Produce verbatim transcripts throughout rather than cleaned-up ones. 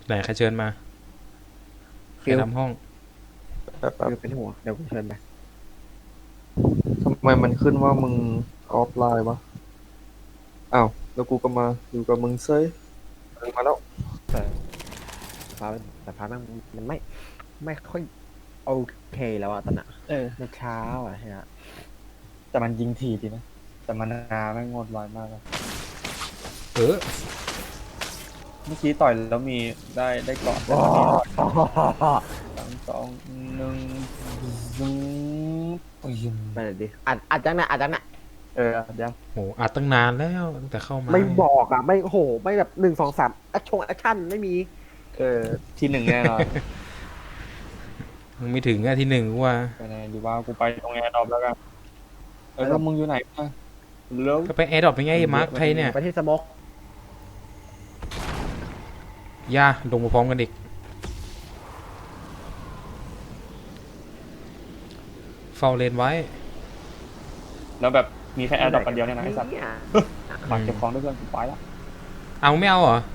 ไหนใครเชิญมาใครทำห้องแบบแบบเป็นหัวเดี๋ยวกูเชิญไปทำไมมันขึ้นว่ามึงออฟไลน์วะอ้าวแล้วกูก็มาอยู่กับมึงเซยมึงมาแล้วแต่ฟ้าแต่ฟ้ามันมันไม่ไม่ค่อยโอเคแล้วอะตอนน่ะเออมันเช้าอะฮะแต่มันยิงทีดีนะแต่มันนาไม่งดไวมากเลยเออเมื่อกี้ต่อยแล้วมีได้ได้เกาะแต่ว้าตอนนี้สามสองหนึ่งซึงปยิมไปเลยดิอัดอัดจังนะอัดจังนะเออเดี๋ยวโหอัดตั้งนานแล้วตั้งแต่เข้ามาไม่บอกอะไม่โหไม่แบบหนึ่งสองสามแอคชั่นแอคชั่นไม่มีเออที่หนึ่งแน่นอนมึงไม่ถึงอะที่หนึ่งกูว่าไปไหนดีว่ากูไปตรงแอร์ดรอปแล้วกันเออแล้วมึงอยู่ไหนมาเร็วก็ไปแอร์ดรอปไปไงมาร์คใครเนี่ยไปที่สโมกย่าลงมาพร้อมกันอีกเฝ้าเลนไว้แล้วแบบมีแค่แอร์ดรอปกันเดียวเนี่ยนะไอ้สัตว์เนี่ยฝากเก็บของด้วยเพื่อนกูไปละเอาไม่เอาเหรอ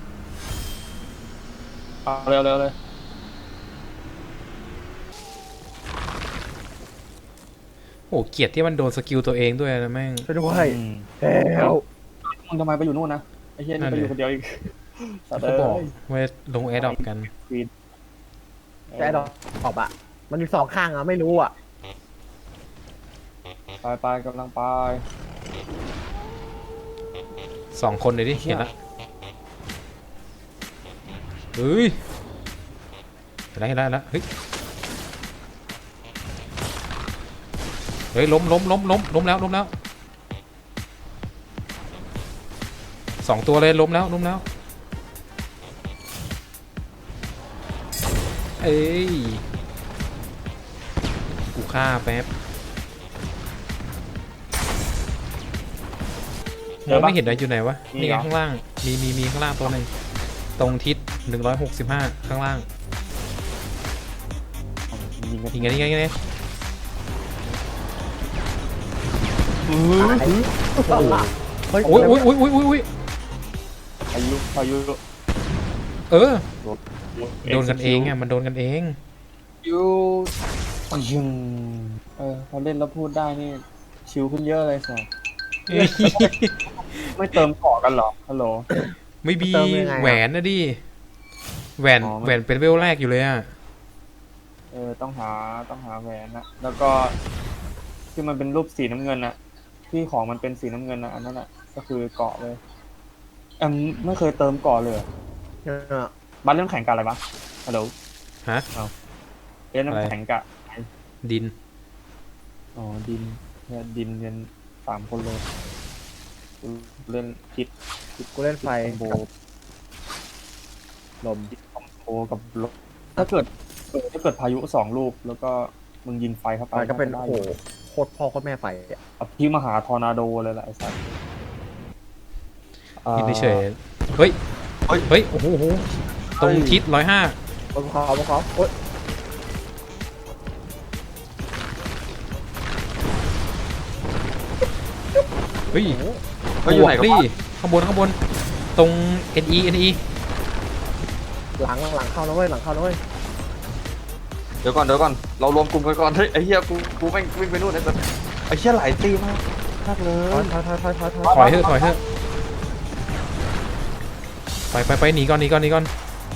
เอาเร็วเร็วเลยโอ้เกลียดที่มันโดนสกิลตัวเองด้วยนะแม่งช่วยด้วยอืมเฮลมึงทำไมไปอยู่นู่นนะไอ้เหี้ยนั่นี่นไปดิอยู่คนเดียวอีกสัตว์เขาบอกเอ้ยว่าลงแอร์ดรอปกันควีนแต่ดอกออกอะมันมีสองข้างอะไม่รู้อะไปไปกำลังไปสองคนเลยดิเห็นละเฮ้ยเห็นแล้วเห็นแล้วเห็นแล้วเฮ้ยเฮ้ยล้มล้มล้มล้มล้มแล้วล้มแล้วสองตัวเลยล้มแล้วล้มแล้วเอ้ยกูฆ่าแป๊บมองไม่เห็นอะไรอยู่ไหนวะนี่ไงข้างล่างมีมีมีข้างล่างตัวหนึ่งตรงทิศหนึ่งร้อยหกสิบห้าข้างล่างยิงกันยิงไงยิงไงยิงไงเฮ้ยโอ้ยโอ้ยโอ้ยโอ้ยโอ้ยโอ้ยพายุพายุเออโดนกันเองอ่ะมันโดนกันเองยูยิงเออพอเล่นแล้วพูดได้นี่ชิลขึ้นเยอะเลยสิไม่เติมเกาะกันเหรอฮัลโหลไม่มีแหวนนะดิแหวนอ๋อแหวนเป็นเวลแรกอยู่เลยอ่ะเออต้องหาต้องหาแหวนนะแล้วก็ที่มันเป็นรูปสีน้ำเงินนะที่ของมันเป็นสีน้ำเงินนะอันนั้นอ่ะก็คือเกาะเลยแอมไม่เคยเติมเกาะเลยเหรอเออบ้านเล่นแข่งกันอะไรปะฮัลโหลฮะเล่นอะไรแข่งกะดินอ๋อดินเนี่ยดินเรียนสามคนเลยเล่นคิดกูเล่นไฟคอมโบลมคอมโบกับลมถ้าเกิดเออถ้าเกิดพายุสองลูกแล้วก็มึงยิงไฟเข้าไปมันก็เป็นได้โอ้อโหยู่โคตรพ่อโคตรแม่ไฟอะเอาที่มหาทอร์นาโดเลยแหละไอ้สัสกินเฉยๆเฮ้ยเฮ้ยโอ้โหโอ้โหตรงทิศร้อยห้าบนเขาบนเขาโอ๊ยเฮ้ยเขาอยู่ไหนบกันดิวะข้างบนข้างบนตรง เอ็น อี เอ็น อีหลังหลังเข้านะเว้ยหลังเข้านะเว้ยเดี๋ยวก่อนเดี๋ยวก่อนเรารวมกลุ่มกันก่อนเฮ้ยไอ้เหี้ยกูกูแม่งวิ่งไปนู่นไอ้สัสไอ้เหี้ยหลายตีมากมากเลถอยยถอยถอยถอยถอยถอยถอยเถอะถอยเถอะไปไปไปหนีก่อนหนีก่อนหนีก่อน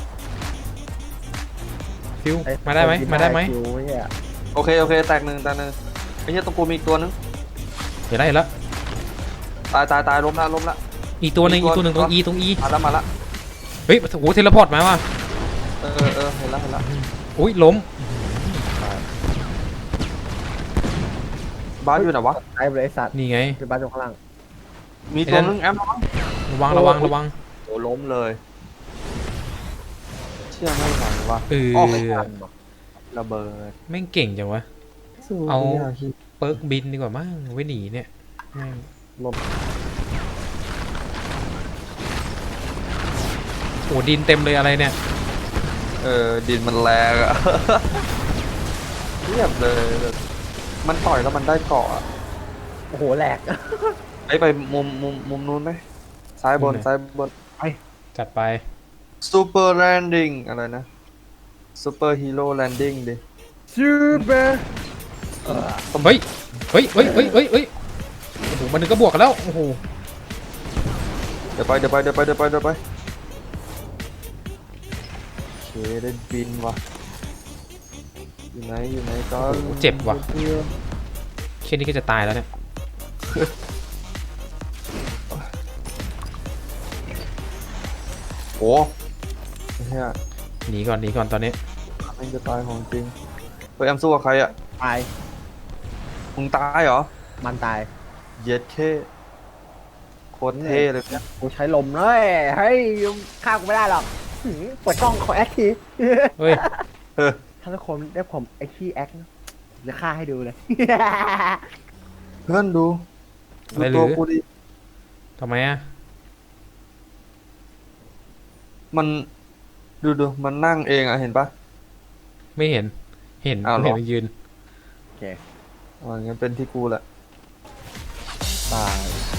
ฟิวมาได้ไหมมาได้ไหมคิวเนี่ยโอเคโอเคแตกหนึ่งแตกหนึ่งไอ้เหี้ยตรงกูมีอีกตัวนึงเห็นแล้วเห็นแล้วตายตายตายล้มละล้มละอีกตัวหนึ่งมีอีตัวกตัวหนึ่งตรง E ตรง E มาละมาละเฮ้ยโอ้โหเทเลพอร์ตมาว่ะเออเออเห็นละเห็นละอุ้ยล้มบ้านอยู่ไหนวะไอ้บริษัทนี่ไงคือบ้านตรงข้างล่างมีตัวนึงแอมระวังระวังระวังโอ้ล้มเลยเชื่อไม่ไหววะเออออกทันว่ะระเบิดแม่งเก่งจังวะ เอา เปิร์กบินดีกว่ามั้งไว้หนีเนี่ยแม่งลมโอ้ดินเต็มเลยอะไรเนี่ยเออดินมันแรงอะ เรียบเลยมันต่อยแล้วมันได้เกาะอะโอ้โหแหลกไอ้ไปมุมมุมมุมนู้นไหมซ้ายบนซ้ายบนจัดไปซูเปอร์แลนดิ้งอะไรนะซูเปอร์ฮีโร่แลนดิ้งดิซูเปอร์เฮ้ยเฮ้ยเฮ้ยเฮ้ยเฮ้ยเฮ้ยโอ้โหมันนึงก็บวกกันแล้วโอ้โหเดี๋ยวไปเดี๋ยวไปเดี๋ยวไปเดี๋ยวไปเดี๋ยวไปโอเคได้บินว่ะอยู่ไหนอยู่ไหนก็โอ้โหเจ็บว่ะเช่นนี้ก็จะตายแล้วเนี่ยโอ้เฮียหนีก่อนหนีก่อนตอนนี้มันจะตายของจริงเฮ้ยแอมสู้กับใครอ่ะตายมึงตายเหรอมันตายเย็ดเคโคตรเท่เลยเนี่ยกูใช้ลมเลยเฮ้ยฆ่ากูไม่ได้หรอกหืมเปิดกล้องขอแอคทีเฮ้ยเออถ้าทุกคนได้ผมไอที่แอคนะจะฆ่าให้ดูเลยเพื่อนดูอะไรหรืดูตัวอกูดิทำไมอ่ะมันดูดูมันนั่งเองอ่ะเห็นปะไม่เห็นเห็นอ้าวเหรอเห็นมันยืนโอเคอ๋องั้นเป็นที่กูแหละตาย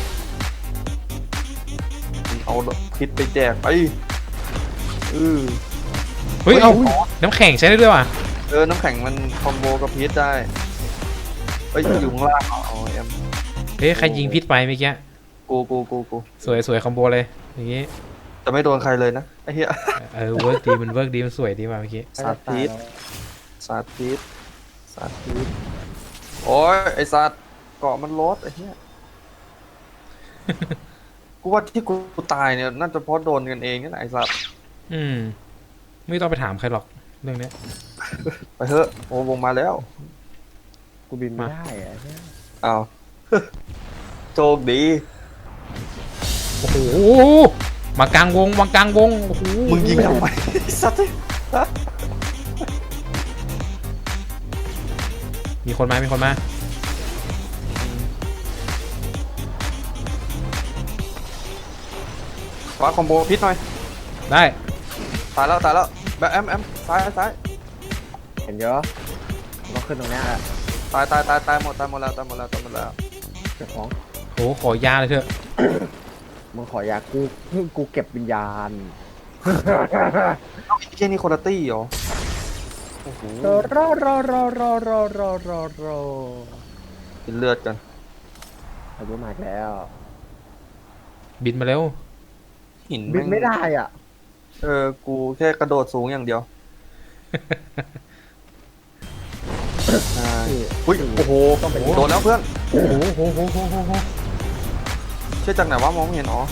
มึงเอาพิษไปแจกไปเออเฮ้ยเอาน้ำแข็งใช้ได้ด้วยว่ะเออน้ำแข็งมันคอมโบกับพิษได้เอ้ยอยู่ข้างล่างอ๋อแอมเฮ้ยใครยิงพิษไปเมื่อกี้กูกูกูกูสวยสวยคอมโบเลยอย่างงี้จะไม่โดนใครเลยนะไอ้เหี้ยเออเวิร์กดีมันเวิร์กดีมันสวยดีว่ะเมื่อกี้สาธิต สาธิตสาธิตโอ้ยไอสัตว์เกาะมันลดไอ้เหี้ย กูว่าที่กูตายเนี่ยน่าจะเพราะโดนกันเองนี่แหละไอสัตว์อืมไม่ต้องไปถามใครหรอกเรื่องเนี้ยไปเถอะโอ้วงมาแล้วกูบินไม่ได้อะเนี่ยอ้าว โชคดีโอ้โหมากลางวงมากลางวงโอ้โหมึงยิงทำไมไอ้สัตว์มีคนมามีคนมาฟ้าคอมโบพิษหน่อยได้ตายแล้วตายแล้วแบบแอมแอมซ้ายซ้ายเห็นเยอะเราขึ้นตรงเนี้ยแหละตายตายตายตายหมดตายหมดแล้วตายหมดแล้วตายหมดแล้วเก็บของโอ้โหขอยาเลยเถอะมึงขอยากูกูเก็บวิญญาณไอ้เจ้นี่คนละตี้เหรอโอ้โหรอรอรอรอรอรอรอรอกินเลือดกันอายุมากแล้วบินมาเร็วหินบินแงไม่ได้อ่ะเออกูแค่กระโดดสูงอย่างเดียวใช่อุ้ยโอ้โหโดนแล้วเพื่อนโอ้โหโอ้โหโอ้โหโอ้โหเชื่อจากไหนวะมองไม่เห็นอ๋อ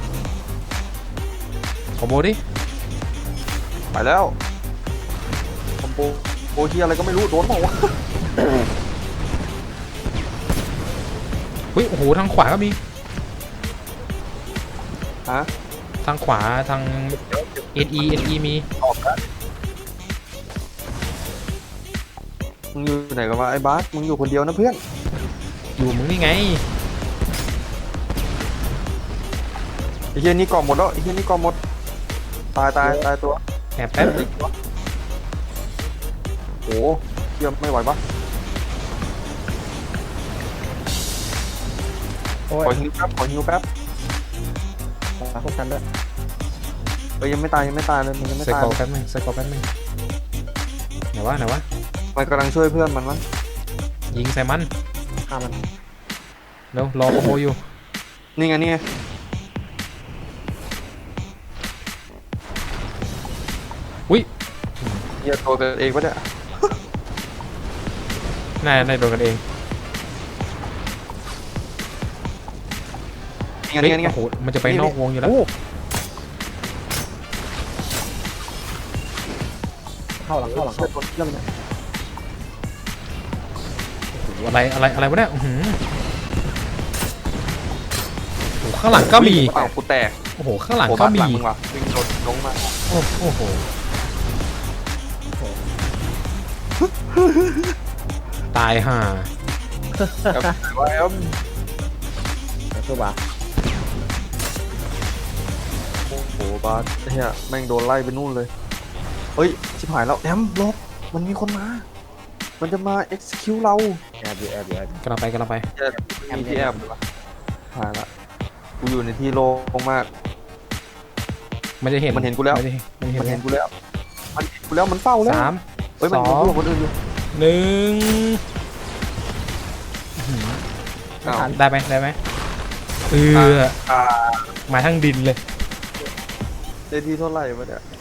คอมโบดิไปแล้วคอมโบโอเฮียอะไรก็ไม่รู้โดนเปล่าวะเฮ้ยโอ้โหทางขวาก็มีฮะทางขวาทางเอ็นอีเอ็นอีมีออกแล้วมึงอยู่ไหนกันวะไอ้บาสมึงอยู่คนเดียวนะเพื่อนอยู่มึงนี่ไงไอ้เฮียนี่กรอบหมดแล้วไอ้เฮียนี่กรอบหมดตายตายตายตัวแอบแป๊บโอ้เฮียไม่ไหวปะโอ้ขอย ฮิวแป๊บขอฮิวแป๊บมาพวกฉันด้วยเอ้ยยังไม่ตายยังไม่ตายเลยมันยังไม่ใส่ตายกรอบแป๊บนึงใส่กรอบแป๊บนึงไหนวะไหนวะมันกำลังช่วยเพื่อนมันมั้งยิงใส่มันฆ่ามันเร็วรอคอมโบอยู่นี่ไงนี่ไงอุ้ยเฮียตัวกันเองปะเนี่ยน่าได้โดนกันเองนี่ไงเฮ้ยนี่ไงนี่ไงโอ้โหมันจะไปนอกวงอยู่แล้วโอ้เข้าหลังเข้าหลังช่วเข้ายตัวเพื่อนเนี่ยโอ้โหอะไรอะไรอะไรวะเนี่ยอื้อหือโอ้โหข้างหลังก็มีเปล่ากูแตกโอ้โหข้างหลังโอ้ก็บ้านมีหลังมึงว่ะวิ่งโดดลงมาโอ้โอ้โหตายห่าแบบไหนวะแอมสู้ปะโอ้โหบาสเฮียแม่งโดนไล่ไปนู่นเลยเฮ้ยชิบหายแล้วแอมลบมันมีคนมา มันจะมา execute เราแอบอยู่แอบอยู่แอบอยู่กำลังไปกำลังไปมีที่แอบเลยวะหายละกูอยู่ในที่โล่งมากมันจะเห็นมันเห็นกูแล้วมันจะเห็นมันเห็นมันเห็นกูแล้ว มันเห็นกูแล้วมันเฝ้าแล้วสามเฮ้ยสมันอพูงดกับคนอื่นอยู่หนึ่งอื้อหืออ้าวได้ไหมได้ไหมเอออ่ามาทั้งดินเลยได้ที่เท่าไหร่วะเนี่ย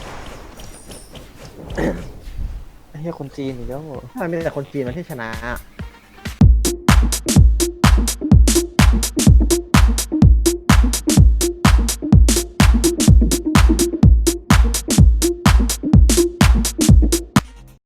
ไอ้เหี้ยคนจีนอีกแล้วเหรอทำไมมีแต่คนจีนมาที่ชนะ